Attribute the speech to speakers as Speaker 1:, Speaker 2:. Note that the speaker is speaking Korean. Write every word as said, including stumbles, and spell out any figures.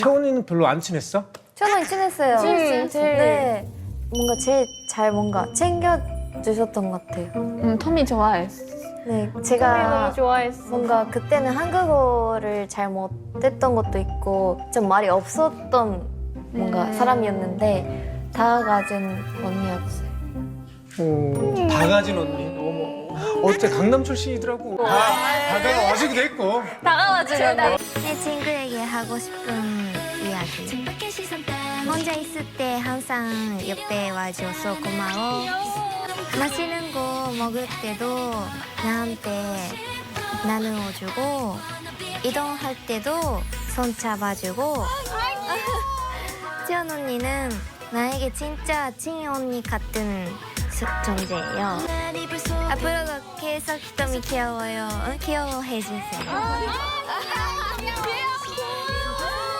Speaker 1: 태원이는 별로 안 친했어?
Speaker 2: 저는 친했어요.
Speaker 3: 음, 제일.
Speaker 2: 네. 뭔가 제일 잘 뭔가 챙겨주셨던 것 같아요.
Speaker 3: 음, 터미 좋아했어.
Speaker 2: 네,
Speaker 3: 터미
Speaker 2: 제가
Speaker 3: 너무 좋아했어.
Speaker 2: 뭔가 그때는 한국어를 잘 못했던 것도 있고 좀 말이 없었던 뭔가
Speaker 3: 음.
Speaker 2: 사람이었는데 다가진 언니였어요.
Speaker 1: 오, 다 가진 언니. 어머. 어째 강남 출신이더라고. 다, 다가가 와주기도 했고.
Speaker 2: 다가와주면
Speaker 4: 내 친구에게 하고 싶은 이야기. 혼자 있을 때 항상 옆에 와줘서 고마워. 맛있는 거 먹을 때도 나한테 나누어주고 이동할 때도 손 잡아주고 지연 언니는 나에게 진짜 찐 언니 같은 수- 존재예요. 앞으로도 계속瞳 귀여워요. 응? 귀여워해주세요.